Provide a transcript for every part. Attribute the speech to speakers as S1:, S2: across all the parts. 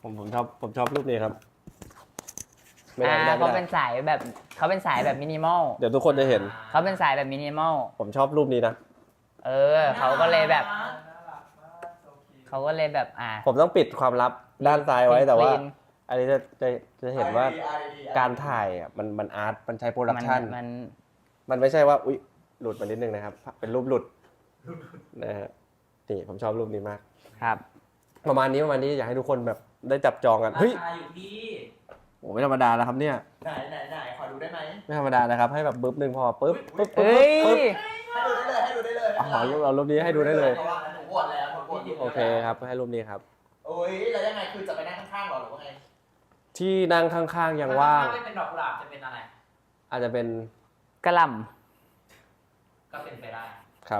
S1: ผมชอบรูปนี้ครับ
S2: เขาเป็นสายแบบมินิมอล
S1: เดี๋ยวทุกคนจะเห็น
S2: เขาเป็นสายแบบมินิมอล
S1: ผมชอบรูปนี้นะ
S2: เขาก็เลยแบบ
S1: ผมต้องปิดความลับด้านซ้ายไว้แต่ว่าอันนี้จะเห็นว่าการถ่ายอ่ะมันอาร์ตมันใช้โปรดักชั่นมันไม่ใช่ว่าอุ๊ยหลุดมานิดนึงนะครับเป็นรูปหลุดนะฮะนี่ผมชอบรูปนี้มาก
S2: ครับ
S1: ประมาณนี้อยากให้ทุกคนแบบได้จับจองกันเฮ้ย
S3: อยู่ที่
S1: โอ้ไม่ธรรมดาแล้วครับเนี่ย
S3: ไหนขอดูได้ไหม
S1: ไม่ธรรมดานะครับให้แบบบึ๊บนึงพอปึ๊บ
S3: ให้ดูได้เลย
S1: เอารูปนี้ให้ดูได้เลย
S3: หมดแล้ว
S1: โอเคครับให้รูปนี้ครับ
S3: โอ้ยแล้วยังไงคือจะไปนั่งข้างๆหรอหรือว่าไง
S1: ที่นั่งข้างๆยังว่าง
S3: ไม่เป็นดอกกุหลาบจะเป็นอะไร
S1: อาจจะเป็น
S2: กระหล่
S3: ำก็เป็นไปได้
S1: ครับ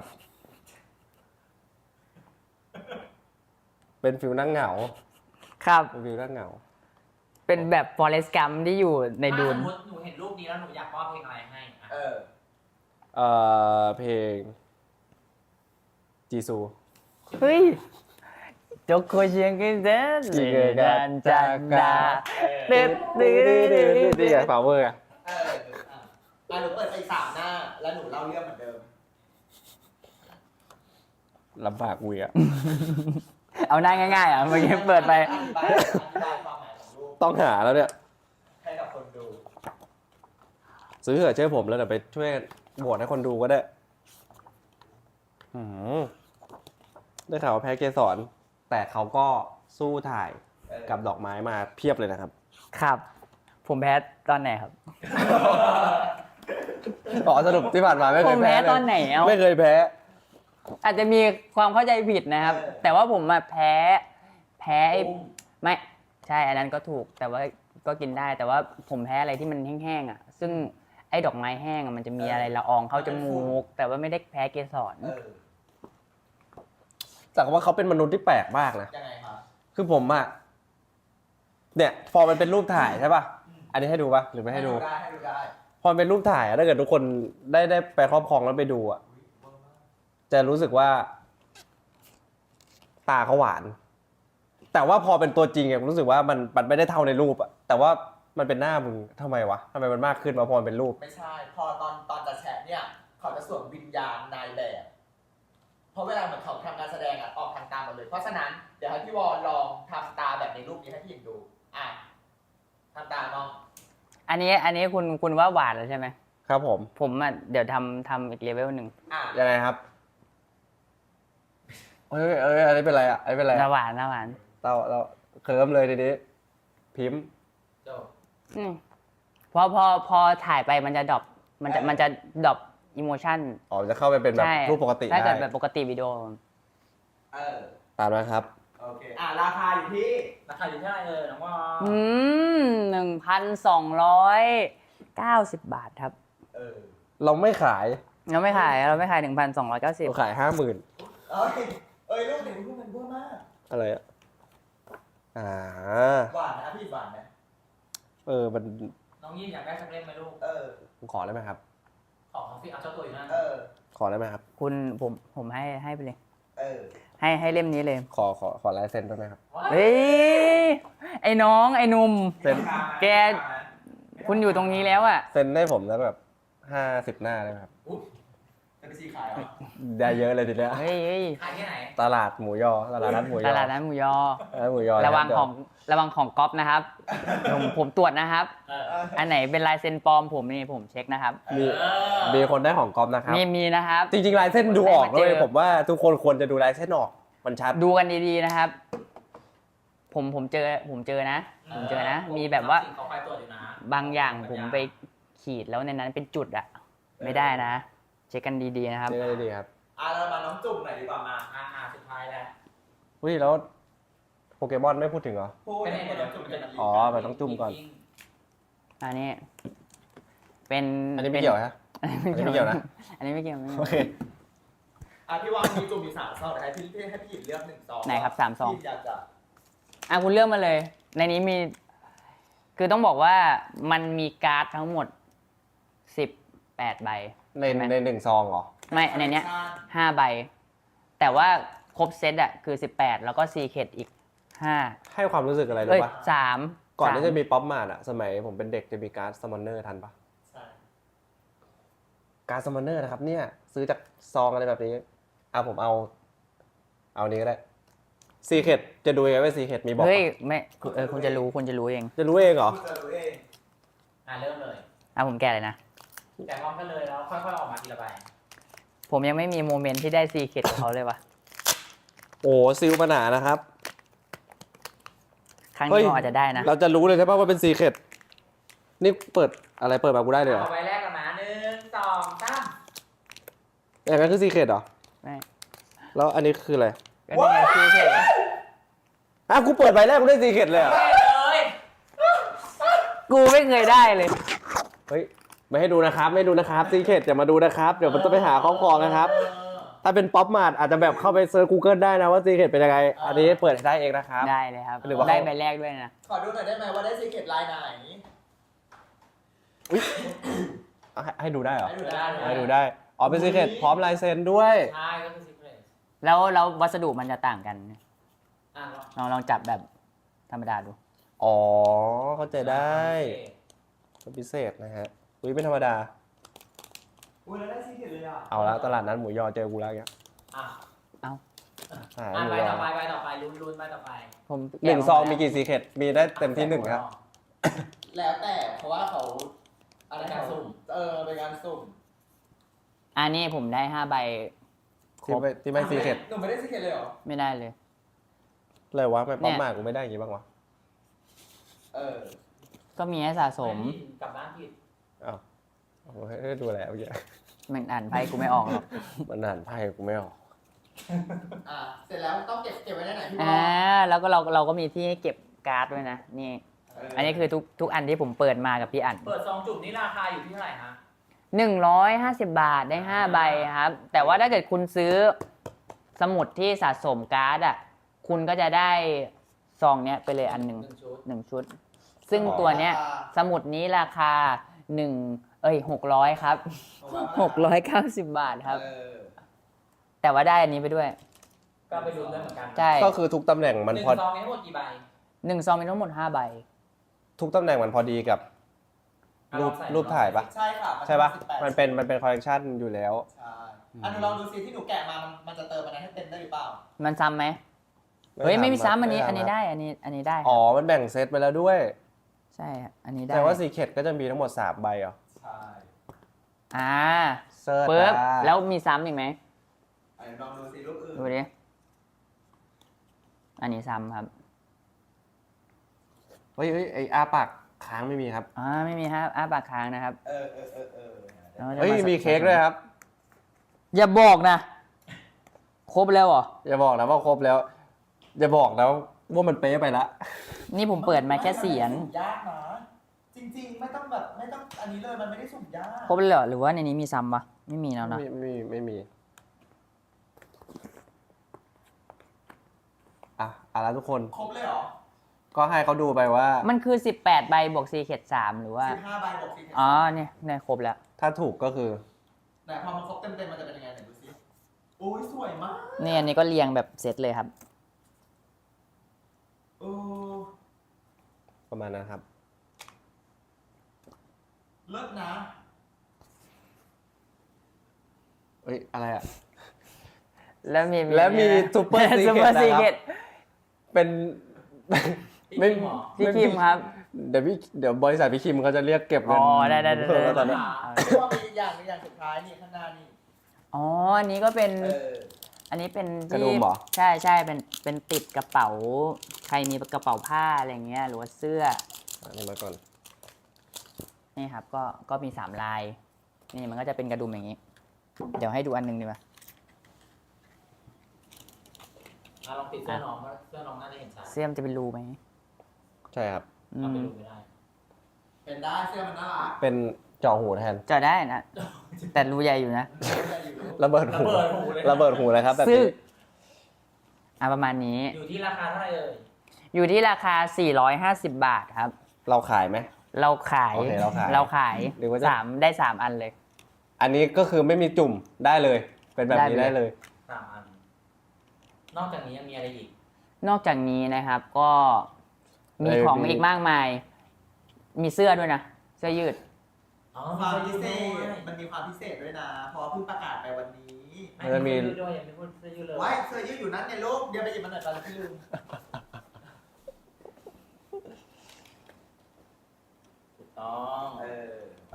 S1: เป็นฟิลนั่งเหงา
S2: ครับ
S1: เป็นฟิลนั่งเหงา
S2: เป็นแบบฟอเรสต์กัมที่อยู่ในดูน
S3: สมมติหนูเห็นรูปนี้แล้วหนูอยากมอบเพลงอะไรให้
S1: เพลงจีซู
S2: เฮ้ยจกโคเชียงกันเด้อกันจากดาตึ๊ด
S1: นี่ไงฟาวเวอร์
S3: หนูเปิดไป3 หน้าแล้วหนูเล่าเรื่องเหมือนเดิม
S1: ลำบากวี
S2: เอาหน้าง่ายๆเมื่อกี้เปิดไป
S1: ต้องหาแล้วเนี่ย
S3: ให้กับคนดู
S1: ซื้อเถอะเชื่อผมแล้วเดี๋ยวไปช่วยโหวตให้คนดูก็ได้ได้ข่าวว่าแพ้เกสรแต่เขาก็สู้ถ่ายกับดอกไม้มาเพียบเลยนะครับ
S2: ครับผมแพ้ตอนไหนครับ
S1: สรุปที่ผ่านมาไม่เคยแพ้
S2: ผมแพ้ตอนไหน
S1: ไม่เคยแพ้
S2: อาจจะมีความเข้าใจผิดนะครับแต่ว่าผมมาแพ้ไม่ใช่อันนั้นก็ถูกแต่ว่าก็กินได้แต่ว่าผมแพ้อะไรที่มันแห้งๆซึ่งไอ้ดอกไม้แห้งมันจะมีอะไรละอองเข้าจมูกแต่ว่าไม่ได้แพ้เกสร
S1: แต่ว่าเขาเป็นมนุษย์ที่แปลกมากนะ
S3: ยังไงครับ
S1: คือผมเนี่ยพอมันเป็นรูปถ่ายใช่ป่ะอันนี้ให้ดูป่ะหรือไม่ให้ดู
S3: ได้
S1: พอเป็นรูปถ่ายถ้าเกิดทุกคนได้ไปครอบครองแล้วไปดูจะรู้สึกว่าตาเขาหวานแต่ว่าพอเป็นตัวจริงรู้สึกว่ามันไม่ได้เท่าในรูปแต่ว่ามันเป็นหน้ามึงทำไมวะทำไมมันมากขึ้นมาพอเป็นรูป
S3: ไม่ใช่พอตอนจะแชร์เนี่ยเขาจะสวมวิญญาณนายแบบเพราะเวลาเหมือนเขาทำการแสดงออกทางตาหมดเลยเพราะฉะนั้นเดี๋ยวให้พี่วอลลองทำตาแบบในรูปนี้ให้พี่หญิงดูทำตามอง
S2: อันนี้คุณว่าหวานแล้วใช่ไหม
S1: ครับผม
S2: เดี๋ยวทำอีกเลเวลหนึ่ง
S1: ยังไงครับอันนี้เป็นไรอันนี้เป็นไร
S2: หวาน
S1: เราเคิร์มเลยทีนี้พิมพ์
S2: พอถ่ายไปมันจะดรอปมันจะดรอปอิโมชั่น
S1: จะเข้าไปเป็นแบบรูปปกติ
S2: ถ้าเกิดแบบปกติวิดีโอ
S1: ตามนะครับ
S3: โอเคราคาอยู่ที่เท่าไหร่น้องว่า
S2: 1,290 บาทครับ
S1: เราไม่ขาย
S2: 1,290
S1: เราขาย 50,000
S3: รูปเห็นรูปมันบ้ามาก
S1: อะไร
S3: หวานนะพี่หวานนะ
S1: มัน
S3: น้องยี่อยากได้สักเล่มไหมลูก
S1: ขอได้ไหมครับ
S3: ขอพี่เอาเจ้าตัวอยู่นั่น
S1: ขอได้ไหมครับ
S2: คุณผมให้ไปเลยให้เล่มนี้เลย
S1: ขอลายเซ็นได้ไหมครับ
S2: เฮ้ยไอ้น้องไอ้หนุ่ม
S1: เซ็น
S2: แกคุณอยู่ตรงนี้แล้ว
S1: เซ็นได้ผมแล้วแบบ50 หน้าได้ไหมครับ
S3: จะไปซีขายเหรอ
S1: ได้เยอะเลยทีเดียว
S2: เฮ้ย
S3: ขายที่ไหน
S1: ตลาดหมูยอตลาดนัดหมูยอ
S2: ระวังของก๊อปนะครับผมตรวจนะครับอันไหนเป็นลายเซ็นปลอมผมเช็คนะครับ
S1: มีคนได้ของก๊อปนะครับ
S2: มีนะครับ
S1: จริงๆลายเส้นดูออกเลยผมว่าทุกคนควรจะดูลายเส้นออกมันชัด
S2: ดูกันดีๆนะครับผมเจอนะมีแบบว่าบางอย่างผมไปขีดแล้วในนั้นเป็นจุดไม่ได้นะเช็คกันดีๆนะครับ
S1: เช็คกันดีๆครับ
S3: เรามาน้องจุ่มหน่อยดีกว่ามาสุดท้ายแล้ว
S1: แล้วโปเกมอนไม่พูดถึงเหรอ
S3: ไม่ได้จุ่ม
S1: มันต้องจุ่มก่อน
S2: อันนี้เป็น
S1: อันนี้ไม่เกี่ยวฮะอันนี้ไม่เกี่ยวนะ
S2: อันนี้ไม่เกี่ยว
S1: โอเค
S3: พี่วางมีจุ่มมี3 ซองให้พี่หญิงเลือก1 ซอง
S2: ไหนครับ3 ซอง
S3: อยากจะ
S2: คุณเลือกมาเลยในนี้มีคือต้องบอกว่ามันมีการ์ดทั้งหมด18 ใบ
S1: ใน1 ซองเหรอ
S2: ไม่ในนี้5 ใบแต่ว่าครบเซตคือ18แล้วก็ซีเคทอีก 5
S1: ให้ความรู้สึกอะไร
S2: เอ้
S1: รู้
S2: ย
S1: ปะ
S2: 3
S1: ก่อนที่จะมีป๊อปมาร์ทอะสมัยผมเป็นเด็กจะมีการ์ดซัมมอนเนอร์ทันปะ
S3: ใช่
S1: การ์ดซัมมอนเนอร์นะครับเนี่ยซื้อจากซองอะไรแบบนี้ผมเอานี้ก็ได้ซีเคทจะดูยังไงว่าซีเคทมีบอก
S2: เฮ้ย
S1: ปะ
S2: ไม่คุณจะรู้เอง
S1: จะรู้เองเหรอ
S3: คุณจะรู้เองเริ่มเลย
S2: ผมแกะเลยนะ
S3: แกะพร้อมกันเลยแล้วค่อยๆออกมาทีละใบ
S2: ผมยังไม่มีโมเมนต์ที่ได้ซีเคทกับเขาเลยว่ะ
S1: โอ้ซิลปัญหานะครับ
S2: ครั้ง
S1: เฮ้
S2: นี้
S1: ย
S2: ผมอาจจะได้นะ
S1: เราจะรู้เลยใช่ปะว่าเป็นซีเคทนี่เปิดอะไรเปิดมากูได้เลยเหรอ
S3: เอาใบแรกกันนะ1 2 3
S1: อย่างนั้นคือซีเคทเหรอ
S2: ไม่
S1: แล้วอันนี้คืออะไร
S2: ก็นี่ไงซีเคท
S1: กูเปิดใบแรกกูได้ซีเคทเลยเหรอ
S3: เลย
S2: กูไม่เคยได้เลย
S1: เฮ้ยไม่ให้ดูนะครับไม่ดูนะครับซีเคทอย่ามาดูนะครับเดี๋ยวมันจะไปหาครอบครองนะครับ ถ้าเป็นป๊อปมาร์ทอาจจะแบบเข้าไปเซิร์ช Google ได้นะว่าซีเคทเป็นยังไงอันนี้เปิดได้เองนะครับ
S2: ได้เลยครับ
S1: หรือว่า
S2: ได้ใบแรกด้วยนะ
S3: ขอดูหน่อยได้ไหมว่าได้ซีเกตลายไหน
S1: ให้ดูได้เหรอ
S3: ให้ดูได้
S1: ให้ดูได้อ๋อเป็นซีเคทพร้อมลายเซ็นด้วย
S3: ใช่ก็คือซีเกต
S2: แล้ววัสดุมันจะต่างกัน
S3: อ่ะ
S2: ลองจับแบบธรรมดาดู
S1: อ๋อเข้าใจได้เป็นพิเศษนะฮะอุ้ยไม่ธรรมดา
S3: อุ้ยแล้วได้ซีเกตเลยอ่ะ
S1: เอาละตลาดนั้นหมูยอเจอกูแล้วเนี่ย
S3: อ่ะ
S1: หา
S3: อ่ะ
S1: หมู
S3: ใบ
S1: ย
S3: ต่
S1: อ
S3: อไปลุ้นใบต่อไป
S2: ผม
S1: หนึ่งซองมีกี่ซีเคทมีได้เต็มที่หนึ่งครับ
S3: แล้วแต่เพราะว่าเขาอะไรการสุ่มเป็นการสุ่ม
S2: อันนี้ผมได้5 ใบครบ
S1: ที่ไม่ซีเคท
S3: หนูไม่ได้ซีเกตเลยเหรอ
S2: ไม่ได้เลย
S1: เลยวะไม่ป๊อปมาร์ทกูไม่ได้อย่างงี้บ้างวะ
S2: ก็มีให้สะสม
S3: กลับบ้านผิด
S1: อ้าวให้ดูแล้วเยอะ
S2: มันอ่านไพ่กูไม่ออกหรอก
S1: มันอ่านไพ่กูไม่ออก
S3: เสร็จแล้วต้องเก็บไว้ได้ไหนพี่บอ
S2: แล้วก็เราก็มีที่ให้เก็บการ์ดด้วยนะนี่ อันนี้คือทุกอันที่ผมเปิดมากับพี่อั๋น
S3: เปิดซองจุ่มนี่ราคาอยู่ที่เท่าไหร่ฮะ
S2: 150 บาทได้5 ใบครับ แต่ว่าถ้าเกิดคุณซื้อสมุดที่สะสมการ์ดคุณก็จะได้ซองเนี้ยไปเลยอันหนึ่ง
S3: 1 ชุด
S2: 1 ชุด ซึ่งตัวเนี้ยสมุดนี้ราคา600ครับ690 บาทครับ แต่ว่าได้อันนี้ไปด้วย
S3: ก็ไปลุ้นได้เหมือนกัน
S2: ใช่
S1: ก็คือทุกตำแหน่งมันพอ
S3: 1 ซองมีทั้งหมดกี่ใบ
S2: 1 ซองมีทั้งหมด5 ใบ
S1: ทุกตำแหน่งมันพอดีกับรูปถ่ายปะ
S3: ใช่ค่ะ
S1: ใช่ปะมันเป็นคอลเลกชันอยู่แล้ว
S3: ใช่หนูลองดูซิที่หนูแกะมามันจะเติมอะไรให้เต็มได้หรือเปล่า
S2: มันซ้ำไหมเฮ้ยไม่มีซ้ำอันนี้ได้อันนี้ได้ครับ
S1: อ๋อมันแบ่งเซตไปแล้วด้วย
S2: ใช่ครับอันนี้ได้
S1: แต่ว่าซีเคทก็จะมีทั้งหมด3ใบเหรอ
S3: ใช่
S1: เซิร์ช
S2: ปึ๊บ
S1: อ่ะ
S2: แล้วมีซ้ำอีกไหม
S3: ลองดูซิรูปอื่น
S2: ดูดิอันนี้ซ้ำครับ
S1: เฮ้ยไออาปากค้างไม่มีครับ
S2: ไม่มีครับปากค้างนะครับ แล้วจะ
S1: เฮ้ยมีเค้กด้วยครับ
S2: อย่าบอกนะ ครบแล้วเหรอ
S1: อย่าบอกนะว่าครบแล้ว อย่าบอกนะว่ามันเป๊ะไปละ
S2: นี่ผมเปิดมาแค่4 อัน
S3: ยากนะจริงๆไม่ต้องอันนี้เลยมันไม่ได้สุ่มยาก
S2: ครบเลยเหรอหรือว่าในนี้มีซ้ำปะไม่มีแล้วนะ
S1: ไม่มีแล้วทุกคน
S3: ครบเลยเหรอ
S1: ก็ให้เขาดูไปว่า
S2: มันคือ18 ใบบวกซีเคท3หรือว่า
S3: 15 ใบบวก4
S2: เนี่ยครบแล้ว
S1: ถ้าถูกก็คือ
S3: ไหนพอมันครบเต็มๆมันจะเป็นยังไงไหนดูซิโอ้ยสวยมาก
S2: นี่อันนี้ก็เรียงแบบเซตเลยครับ
S1: ประมาณนั้นครับ
S3: เลิศนะ
S1: เอ้ยอะไรอ่ะ
S2: แล้วมี
S1: ซูเปอร์ซี
S2: ซูเปอร์
S1: เค
S2: ซี
S1: ท
S2: เค
S1: นะครับ
S2: ท
S1: เป็น
S2: พี่คิมครับ
S1: เดี๋ยวบริษัทพี่คิมเขาจะเรียกเก็บเงิน
S2: ได้
S1: เพิ่มแล้วตอนนี้
S3: เพราะว่ามีอย่างสุดท้ายนี่ข้างหน้านี่
S2: อันนี้ก็เป็น อันนี้เป็น
S1: กระ
S2: ที่
S1: ดุมเหรอ
S2: ใช่เป็นติดกระเป๋า ใครมีกระเป๋าผ้าอะไรเงี้ยหรือว่าเสื้อ
S1: อันนี้มาก่อน
S2: นี่ครับก็มี3 ลาย นี่มันก็จะเป็นกระดุมอย่างนี้ เดี๋ยวให้ดูอันหนึงดีกว่า
S3: ลองปิดเสื้อน้องว่าเสื้อน้องน่าจะเห็นชัด
S2: เสื้อมันจะเป็นรูไหม
S1: ใช่ครับ
S3: เอาไปดูไม่ได้ เป็นได้เสื้อมันน่ารัก
S1: เป็นเจาะหูแทน
S2: จะได้นะ แต่รูใหญ่อยู่นะ
S1: ระเบิดหูระเบิดหูเลยครับแบบ
S2: ซึ่ง
S1: นี้
S2: ประมาณนี้
S3: อยู่ที่ราคาเท่าไหร่เอ่ย
S2: อยู่ที่ราคา450 บาทครับ
S1: เราขายไหม
S2: เราขาย
S1: โอเคเราขายหรือว่าจะ
S2: ได้ 3 อันเลย
S1: อันนี้ก็คือไม่มีจุ่มได้เลย เป็นแบบนี้
S2: ได้
S1: ได้
S2: เล
S1: เลย ย
S3: 3 อัน นอกจากนี้ยังมีอะไรอีก
S2: นอกจากนี้นะครับก็มีของอีกมากมาย มีเสื้อด้วยนะ เสื้อยืด
S3: อ๋อความพิเศษมันมีความพิเศษด้วยนะเพราะเพิ่งประกาศไปวันนี้
S1: มันมี
S4: ด้วยยังไม่พูดเสื้อยืดเลย
S3: ไว้เสื้อยืดอยู่นั้นเนี่ยลูกเดี๋ยวไปหยิบมันหน่อยตอนที่ลืม
S4: ถูกต้อง
S3: ไป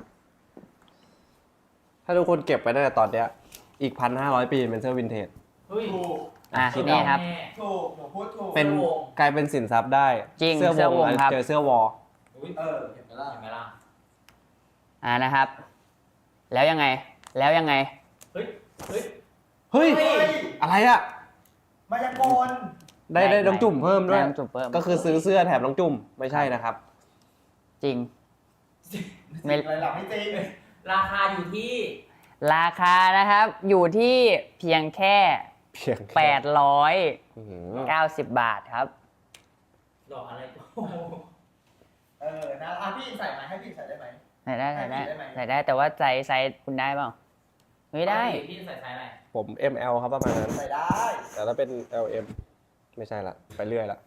S1: ถ้าทุกคนเก็บไปตั้งแต่ตอนเนี้ยอีก 1,500 ปีเป็นเสื้อวินเทจ
S4: เฮ้ย
S3: ถูก
S2: อ่ะนี่ครับ
S3: ถูกหนูพูดถูก
S1: เป็นกลายเป็นสินทรัพย์ได้
S2: จริง
S1: เสื้อ
S2: เสื้อ
S1: ว
S2: ว
S1: ง
S2: งครับ
S1: เจอเสื้อวอล
S4: อุ้ย
S3: เห็นไหมล่ะ
S4: เห็นไหมล่ะ
S2: นะครับ แล้วยังไง แล้วยังไง
S4: เฮ้ย เฮ้ย
S1: เฮ้ย อะไรอ่ะ
S3: มายากล
S1: ได้น้องจุ่มเพิ่มด้วย
S2: ได้น้องจุ่มเพิ่ม
S1: ก็คือซื้อเสื้อแถมน้องจุ่มไม่ใช่นะครับ
S2: จริง
S3: ไม่อะไรหลับไม่จริง
S4: ราคาอยู่ที่
S2: ราคานะครับอยู่ที่เพียงแค่
S1: เพียงแค่ อื้อหือ
S2: 890 บาทครับ
S4: ดอกอะไรก็
S3: นะพี่ใส่ไหมให้พี่ใส่ได้ไหม
S2: ใส่ได้ใส่ได้
S3: ได้ไหม
S2: ใส่ได้แต่ว่าไซส์คุณได้เปล่าไม่ได้
S4: พี่ใส่ไซส์อะไร
S1: ผม ML ครับประมาณนั้น
S3: ใส่ได้
S1: แต่ถ้าเป็น LM ไม่ใช่ละ ไปเรื่อยละ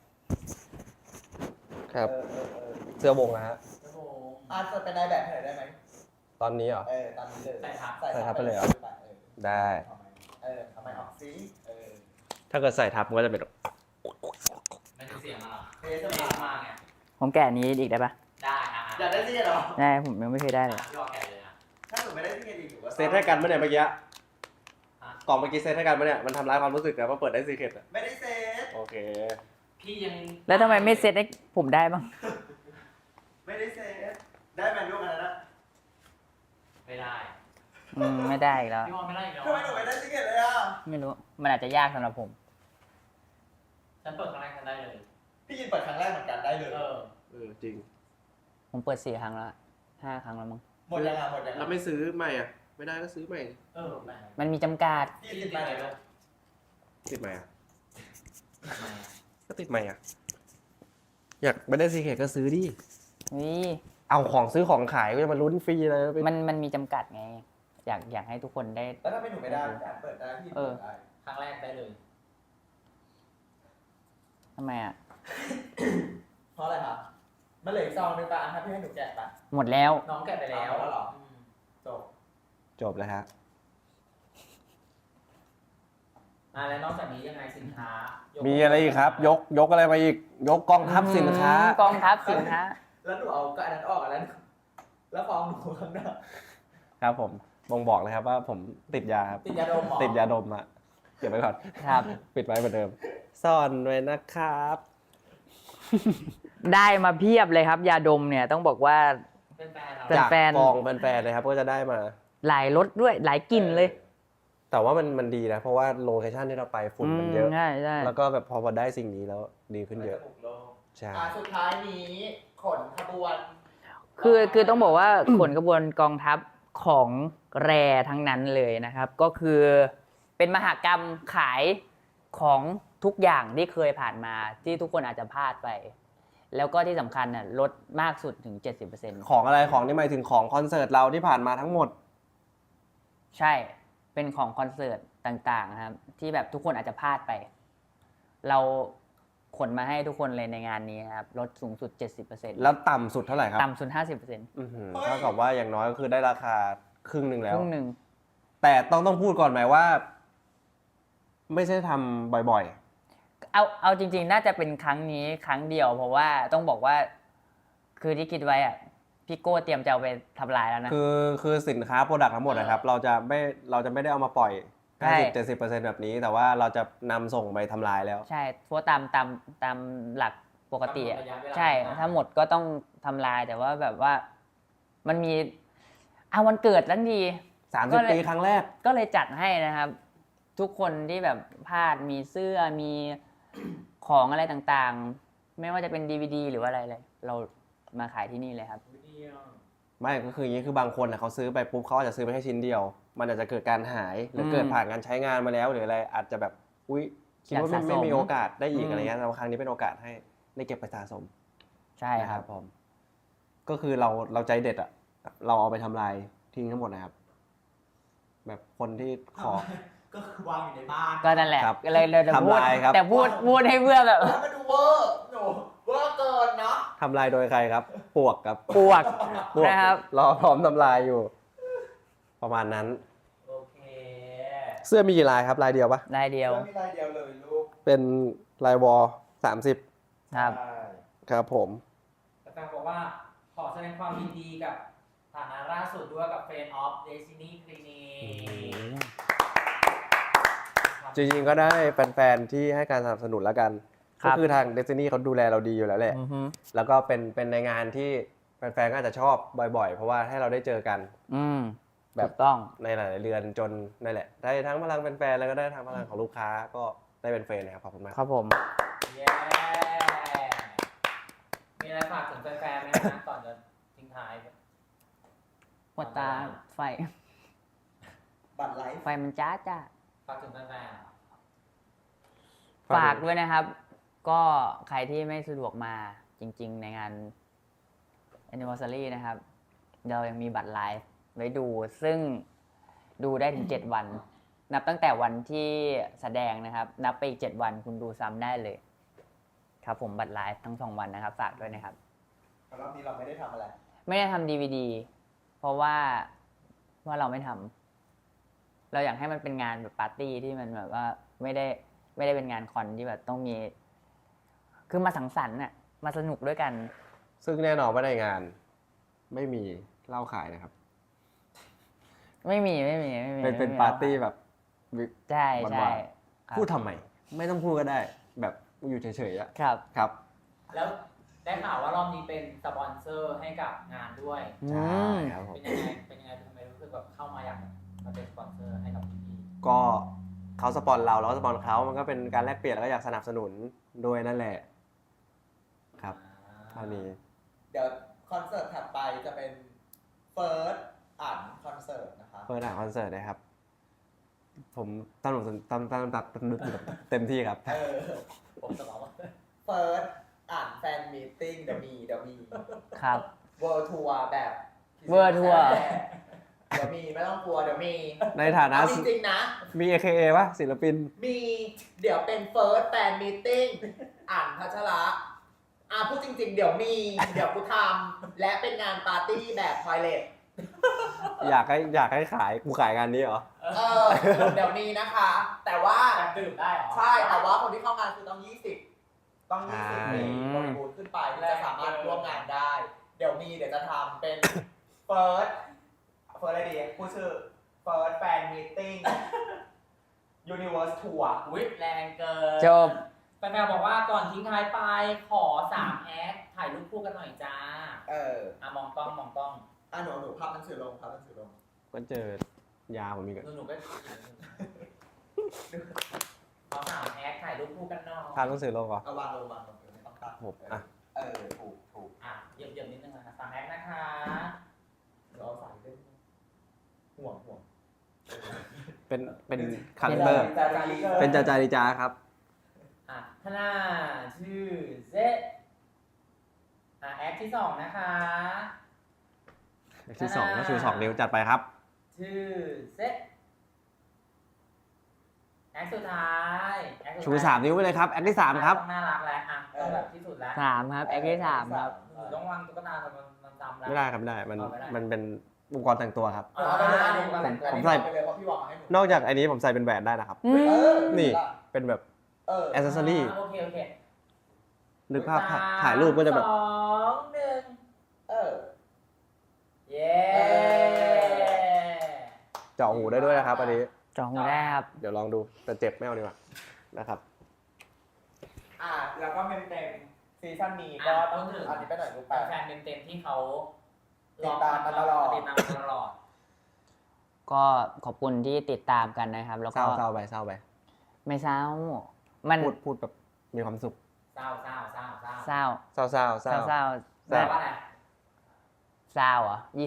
S1: ครับ เสื้อวงนะฮะ
S4: โอ้โห
S3: จะเป็นนายแบบให้หน่อยได้ไหม
S1: ตอนนี้เหรอ
S3: ตามนี้เลย
S4: ใส่ทับ
S1: ใส่ทับไปเลยเหรอ ได้
S3: ทำไมออกซิ
S1: ถ้าเกิดใส่ทับมันก็จะเป็น
S4: มันจะเสียงมา
S3: เทส
S4: เสีย
S3: มาง
S4: มาไง
S2: ผมแกะอันนี้อีกได้ปะ
S4: ได้อ่ะ
S3: อยากได้ที่เหรอ
S2: ได้ผมยังไม่เคยได้เลย
S4: พี่รอแกะเลยนะ
S3: ถ้าหนูไม่ได้ที่ดีหนูก็
S1: เซตให้กันปะเนี่ยเมื่อกี้
S4: ฮะ
S1: กล่องเมื่อกี้เซตให้กันปะเนี่ย มันทำร้ายความรู้สึกนะว่าเปิดได้ซีเคร็ตอะ
S3: ไม่ได้เซต
S1: โอเค
S4: พี่ยัง
S2: แล้วทำไมไม่เซ็ตให้ผมได้บ้าง
S3: ไม่ได้เซตได้ไหมลูกอันนั้นนะ
S4: ไม่ได้
S2: ไม่ได้อีกแล้ว
S4: พี่วอนไม่ได้อีกแล้ว
S3: ทำไมหนูไม่ได้ที่เลยอ่ะ
S2: ไม่รู้ มันอาจจะยากสำหรับผม
S4: ฉันเปิดครั้งแรกฉันได้เลย
S3: พี่ยินเปิดครั้งแรกเหมือนกันได้เลย
S1: จริง
S2: ผมเปิด4 ครั้งแล้ว5 ครั้งแล้วมั้ง
S3: หมดยังอ่ะหมดยัง
S1: แล้วไม่ซื้อใหม่อ่ะ ไม่ได้ก็ซื้อใหม่
S4: แม่
S2: มันมีจำกัด
S3: พี่
S4: พี่
S3: ยิน
S4: ติด
S3: มา
S4: ไหน
S3: เลย
S4: ลูก
S1: ติดใหม่อ่ะ
S4: ทำไมอ่ะ
S1: ก็ติดใหม่อ่ะ อยากไม่ได้ซีเคร็ตก็ซื้อดิ
S2: นี่
S1: เอาของซื้อของขายก็จะมาลุ้นฟรีเลยไป
S2: มันมีจำกัดไง อยากให้ทุกคนได้
S3: แล้วถ้าเป็นหนูไม่ได้การเปิดได้พี่เปิดได้
S4: ครั้งแรกได้เลย
S2: ทำไมอ่ะ
S3: เพราะอะไรครับมันเหลืออีกซองนึงป่ะถ้าพี่ให้หนูแกะป่ะ
S2: หมดแล้ว
S4: น้องแกะไปแล้ว
S3: เอาแล้วเหรอ จบ
S1: จบแล้วฮะ
S4: แล้วนอกจากนี้ยังไงสินค้า
S1: มี
S4: มี
S1: อะไรอีกครับ ยกอะไรมาอีก ยกกองทัพสินค้า
S2: กองทัพสินค้า
S3: แล้วหนูเอาก็อันนั้นออกอันนั้นแล้วฟองหนูข้างหน้า
S1: ครับผมบ่งบอกเลยครับว่าผมติดยาครับ
S3: ติดยาดมเหรอ
S1: ติดยาดมอะเก็บไว้ก่อน
S2: ครับ
S1: ปิดไว้เหมือนเดิม ซ่อนไว้นะครับ
S2: ได้มาเพียบเลยครับ ยาดมเนี่ยต้องบอกว่า
S4: เป็นแฟนเรา
S2: เป็น
S1: จาก
S2: แฟน
S1: กองแฟนๆเลยครับก็จะได้มา
S2: หลายรสด้วยหลายกลิ่นเลย
S1: แต่ว่ามันดีนะ เพราะว่าโลเคชั่นที่เราไปฝุ่นมันเยอะ
S2: ใช่ใช่
S1: แล้วก็แบบพอได้สิ่งนี้แล้วดีขึ้นเยอะ ใช่
S3: สุดท้ายนี้ขนขบวน
S2: คือต้องบอกว่า ขนกระบวนกองทัพของแรทั้งนั้นเลยนะครับ ก็คือเป็นมหกรรมขายของทุกอย่างที่เคยผ่านมาที่ทุกคนอาจจะพลาดไป แล้วก็ที่สำคัญน่ะลดมากสุดถึง 70%
S1: ของอะไรของนี่หมายถึงของคอนเสิร์ตเราที่ผ่านมาทั้งหมด
S2: ใช่ เป็นของคอนเสิร์ตต่างๆนะครับ ที่แบบทุกคนอาจจะพลาดไป เราขนมาให้ทุกคนเลยในงานนี้นะครับ ลดสูงสุด 70%
S1: แล้วต่ำสุดเท่าไหร่ครับ
S2: ต่ำสุด 50%
S1: อื้อหือเท่ากับว่าอย่างน้อยก็คือได้ราคาครึ่งหนึ่ง
S2: ค
S1: แล้ว
S2: รึ่งหนึ่ง
S1: แต่ต้องพูดก่อนไหมว่า ไม่ใช่ทำบ่อย
S2: เอาจริงๆ น่าจะเป็นครั้งนี้ครั้งเดียว เพราะว่าต้องบอกว่า คือที่คิดไว้อะพี่โก้เตรียมจะเอาไปทำลายแล้วนะ
S1: คือสินค้าโปรดักต์ทั้งหมดนะครับ เราจะไม่ได้เอามาปล่อย
S2: ใช่
S1: 50-70%แบบนี้ แต่ว่าเราจะนำส่งไปทำลายแล้ว
S2: ใช่เพราะตามหลักปกติอะ
S4: ระยะเวลา
S2: ใช่ถ้าหมดก็ต้องทำลายแต่ว่าแบบว่ามันมีวันเกิดทั้งที ก็เลย
S1: 30 ปีครั้งแรก
S2: ก็เลยจัดให้นะครับ ทุกคนที่แบบพลาดมีเสื้อมีของอะไรต่างๆ ไม่ว่าจะเป็น DVD หรือว่าอะไรเลยเรามาขายที่นี่เลยครับ
S1: ไม่ก็คืออย่างนี้คือบางคนนะเขาซื้อไปปุ๊บเขาอาจจะซื้อไปแค่ชิ้นเดียว มันอาจจะเกิดการหายหรือเกิดผ่านการใช้งานมาแล้วหรืออะไรอาจจะแบบอุ๊ยคิดว่า
S2: อยากสะสม
S1: ไม่มีโอกาสได้อีก
S2: อืม
S1: อะไรเงี้ยแต่ว่าครั้งนี้เป็นโอกาสให้ได้เก็บไปสะสม
S2: ใช่
S1: นะครับ ผมก็คือเราใจเด็ดอ่ะเราเอาไปทำลายทิ้งทั้งหมดนะครับ แบบคนที่ขอ
S3: ก็คือวางอยู่ในบ้าน
S2: ก็นั่นแหละ
S1: ครับ
S2: ก็เลยจะพูด
S1: ทำลายครับ
S2: แต่พูดให้เพื่อแบบ
S3: แล้วมันดูเวอร์หนูเวอร์เกินเนาะ
S1: ทำลายโดยใครครับ ปวกครับ
S2: ปวก
S1: ปวก
S2: นะครับ
S1: รอพร้อมทำลายอยู่ ประมาณนั้น
S4: โอเค
S1: เสื้อมีกี่ลายครับลายเดียวปะ
S2: ได้เดียว
S3: แล้วมีลายเดียวเลยลูก
S1: เป็นลายวอล30
S2: ครับ
S3: ใช่
S1: ครับผม
S4: แต่แฟนบอกว่าขอแสดงความยินดีกับฐานะล่าสุดด้วยกับ Friend of Destiny Clinic
S1: จริงๆก็ได้แฟนๆที่ให้การสนับสนุนแล้วกัน
S2: ครั
S1: ก็
S2: บ
S1: คือทาง Destiny เขาดูแลเราดีอยู่แล้วแหละ
S2: อือฮึ
S1: แล้วก็เป็นในงานที่แฟนๆก็อาจจะชอบบ่อยๆ เพราะว่าให้เราได้เจอกัน
S2: อืม
S1: แบบ
S2: ถูกต้อง
S1: ในหลายๆเดือนจนนั่นแหละ ได้ทั้งพลังแฟนๆแล้วก็ได้ทั้งพลังของลูกค้าก็ได้เป็นเฟรนนะครับขอบคุณมาก
S2: ครับผม
S4: เย้มีอะไรฝากถึงแฟนๆไหมนะก่อนจะทิ้งท้าย
S2: ปวดตาไฟ
S3: บัตรไลฟ์
S2: ไฟมันจ้าจ้า
S4: ฝากถึงแฟน
S2: ฝากด้วยนะครับ ก็ใครที่ไม่สะดวกมาจริงๆ ในงาน anniversary นะครับ เรายังมีบัตรไลฟ์ไว้ดู ซึ่งดูได้ถึง 7 วัน นับตั้งแต่วันที่แสดงนะครับ นับไปอีก 7 วันคุณดูซ้ำได้เลย ครับผมบัตรไลฟ์ทั้ง 2 วันนะครับ ฝากด้วยนะครับ
S3: รอบนี้เราไม่ได้ทำอะไร
S2: ไม่ได้ทำ DVD เพราะว่าเราไม่ทำเราอยากให้มันเป็นงานแบบปาร์ตี้ที่มันแบบว่าไม่ได้เป็นงานคอนที่แบบต้องมี คือมาสังสรรค์น่ะมาสนุกด้วยกัน
S1: ซึ่งแน่นอนว่าในงานไม่มีเหล้าขายนะครับ
S2: ไม่มี
S1: เป็นปาร์ตี้แบบ
S2: ใช่ใช่
S1: หวาน
S2: ครับ
S1: พูดทำไม ไม่ต้องพูดก็ได้ แบบอยู่เฉยๆอะ
S2: ครับ
S1: ครับ
S4: ๆแล้วได้ข่าวว่ารอบนี้เป็นสปอนเซอร์ให้กับงานด้วย
S1: ใช่ครับผม
S4: เป็นยังไงทำไมรู้สึกแบบเข้ามาอยากมาเป็นสปอนเซอร์ให้กับพี่
S1: ก็เขาสปอนเราสปอนเขามันก็เป็นการแลกเปลี่ยนแล้วก็อยากสนับสนุนด้วยนั่นแหละ ครับเท่านี้
S3: เดี๋ยวคอนเสิร์ตถัดไปจะเป็นเฟิร์สอ่านคอนเสิร์ตนะคะ
S1: เปิดหนังคอนเสิร์ตนะครับ ผมตั้งเต็มที่ครับ
S4: ผมจะบอกว่า
S3: เฟิร์สอ่านแฟนมีตติ้งเดี๋ยวมี
S2: ครับ
S3: เวิร์ทัวร์แบบ
S2: World Tour
S3: เดี๋ยวมีไม่ต้องกลัวเดี๋ยวมี
S1: ในฐานะ
S3: เอาจริงๆนะ
S1: มี AKA ป่ะศิลปิน
S3: มีเดี๋ยวเป็นเฟิร์สแฟนมีตติ้งอ่านพัชระพูดจริงๆ เดี๋ยวมี เดี๋ยวกูทำและเป็นงานปาร์ตี้แบบทอยเลท
S1: อยากให้ขายกูขายงานนี้เหรอ
S3: เดี๋ยวมีนะคะ แต่ว่า
S4: การดื่มได้เหรอ
S3: ใช่แต่ว่าคนที่เข้างานคือต้อง 20 ต้อง
S1: ใช่
S3: 20 ปีบริบูรณ์ขึ้นไปถึงจะสามารถร่วมงานได้ เดี๋ยวจะทำเป็น First อะไรดีพูดชื่อ First Fan Meeting Universe Tour
S4: อุ๊ยแรงเกิน
S2: จบ
S4: แฟนๆบอกว่าก่อนทิ้งท้ายไปขอ3แอคถ่ายรูปคู่กันหน่อยจ้า มองกล้อง
S3: หนูพับหนังสือลง
S1: ก็เจอยาผมมีกัน
S4: หนูก็ขอ3แอคถ่ายรูปคู่กันหน่อย
S1: พาหนังสือลงก่อน
S3: เอาวางลงไม่ต้องตัด
S1: ผมอ่ะ
S3: ถูก
S4: เหยียบนิดนึงนะ3แอคนะคะ
S3: เดี๋ยวเอาสายเล่นห่วง
S1: เป็นคาแรคเตอร์ เป็นจาริจาครับ
S4: ท่าหน้าชื่อเซตแอคที่2นะคะ
S1: ที่สองก็ชู2 นิ้วจัดไปครับ
S4: ชื่อเซตแอคสุดท้ายแอคสุดท้าย
S1: ชู3 นิ้วไปเลยครับ แอคที่ 3 ครับ
S4: ต้องน่ารักแล้วต้องแบบที่สุดแล้ว
S2: 3 ครับ แอคที่ 3 ครับ
S4: หนูต้องวางตุ๊กตามันจำแล้ว
S1: ไม่ได้ครับไม่ได้ มันเป็นอุปกรณ์แต่งตัวครับ
S3: เอาไปเลย
S1: ผมใส่
S3: ไปเลยเพราะพี่วางมาให้หนู
S1: นอกจากอันนี้ผมใส่เป็นแหวนได้นะครับ นี่ เป็นแบบ แอคเซสซอรี่
S4: โอเค
S1: นึกภาพถ่ายรูปก็จะแบบ
S4: 2 1 เย้
S1: เจาะหูได้ด้วยนะครับ อันนี้
S2: จองหูได้ครับ
S1: เดี๋ยวลองดู แต่เจ็บไม่เอาดีกว่า นะครับ
S3: แล้วก็เต็มซีซั่นนี้ก็ต้องถึงอันนี้ไปหน่อยลูกไป
S4: แฟนเต็มๆที่เขา
S3: ติดตามมาตลอด
S4: ติดตามมาตลอด
S2: ก็ขอบคุณที่ติดตามกันนะครับ แล้ว
S1: เศ
S2: ก็
S1: ร้าไปเศร้าไป
S2: ไม่เศร้า มัน
S1: พูดแบบมีความสุข
S4: เศร้า
S2: เศร้า
S1: เศร้า
S2: เศร้า
S1: เศร้า
S2: เศร้า
S1: เศร้า
S2: เศร้า
S1: เศร้า
S4: ว่าอะไร
S2: เศร้าเหรอ20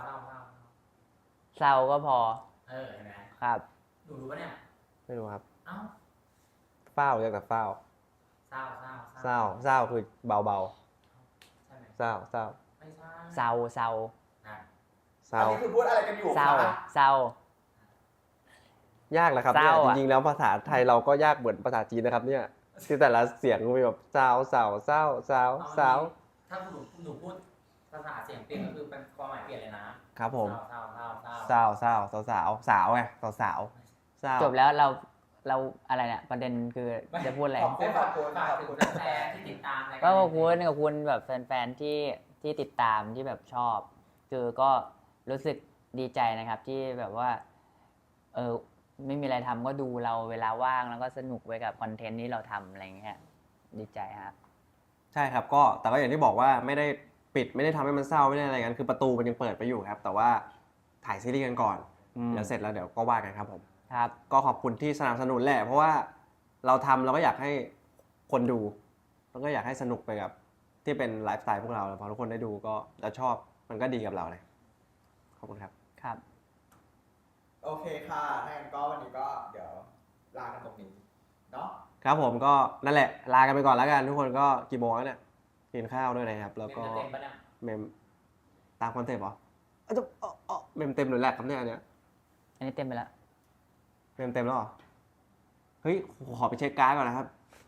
S2: เศร้าก็พอ
S4: เห็นไหม
S2: ครับ
S4: หนูรู้ปะเนี่ย
S1: ไม่รู้ครับ
S4: เอ้า
S1: เฝ้าเรียกแต่เฝ้า
S4: เศร้า
S1: เศร้าคือเบา
S4: ใช่ไหม
S1: ๆ เศร้า
S4: ไม่ใช่
S2: เศร้าเศร้า
S4: อ่ะ
S1: เศร้า
S3: อันนี้คือพูดอะไรกันอยู่
S2: เศร้า
S3: คะ
S2: เศร้า
S1: ยากแหละครับ
S2: เศ
S1: เนี่ย
S2: ร้า
S1: จ
S2: อะ
S1: ริงๆแล้วภาษาไทยเราก็ยากเหมือนภาษาจีนนะครับเนี่ยที่แต่ละเสียงมีแบบเศร้าเศร้าเศร้าเศร้าเศร้า
S4: ถ้าหนูพูดภาษาเสียงเปลี่ยนก็คือเป็นความหมายเปลี่ยนเลยนะครับ
S1: ผม
S4: เศร้าเศร้าเศร้า
S1: เศร้าเศร้าสาวสาวสาวไงสาวสาวเศร้า
S2: จบแล้วเราอะไรเนี่ยประเด็นคือจะพูดอะไร
S3: ขอบคุณขอบคุณ
S4: ฝาก
S3: ขอบ
S4: ถึง
S3: คุณ
S4: แฟนๆที่ติดตามราย
S2: ก็
S4: การ
S2: ขอบคุณแบบแฟนๆที่ติดตามที่แบบชอบ คือก็รู้สึกดีใจนะครับที่แบบว่าไม่มีอะไรทำก็ดูเราเวลาว่างแล้วก็สนุกไปกับคอนเทนต์ที่เราทำอะไรอย่างเงี้ยดีใจครับ
S1: ใช่ครับก็แต่ก็อย่างที่บอกว่าไม่ได้ปิดไม่ได้ทำให้มันเศร้าไม่ได้อะไรกันคือประตูมันยังเปิดไปอยู่ครับ แต่ว่าถ่ายซีรีส์กันก่อน เดี๋ยวเสร็จแล้วเดี๋ยวก็ว่ากันครับผม
S2: ครับ
S1: ก็ขอบคุณที่สนับสนุนแหละเพราะว่าเราทำเราก็อยากให้คนดูแล้วก็อยากให้สนุกไปกับที่เป็นไลฟ์สไตล์พวกเราพอทุกคนได้ดูก็แล้วชอบมันก็ดีกับเราเลยขอบคุณครับ
S2: ครับ
S3: โอเคค่ะถ้างั้นก็วันนี้ก็เดี๋ยวลากันตรงนี้เนาะ
S1: ครับผมก็นั่นแหละลากันไปก่อนแล้วกันทุกคนก็กี่โมงแล้วเนี่ยกินข้าวด้วยนะครับแล้วก็
S4: เต็มปะเนี่ย
S1: เมมตามคอนเซ็ปต์เหรอเมมเต็มหรือแหลกครับเนี่ยอันเนี้ย
S2: อันนี้เต็มไปแล้ว
S1: เมมเต็มแล้วเหรอเฮ้ยขอไปเช็คการ์ดก่อนนะครับ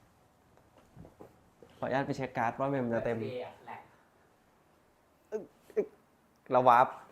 S1: ขออนุญาตไปเช็คการ์ดว่าเมมจะเต็ม
S4: แหลก
S1: เราวาร์ป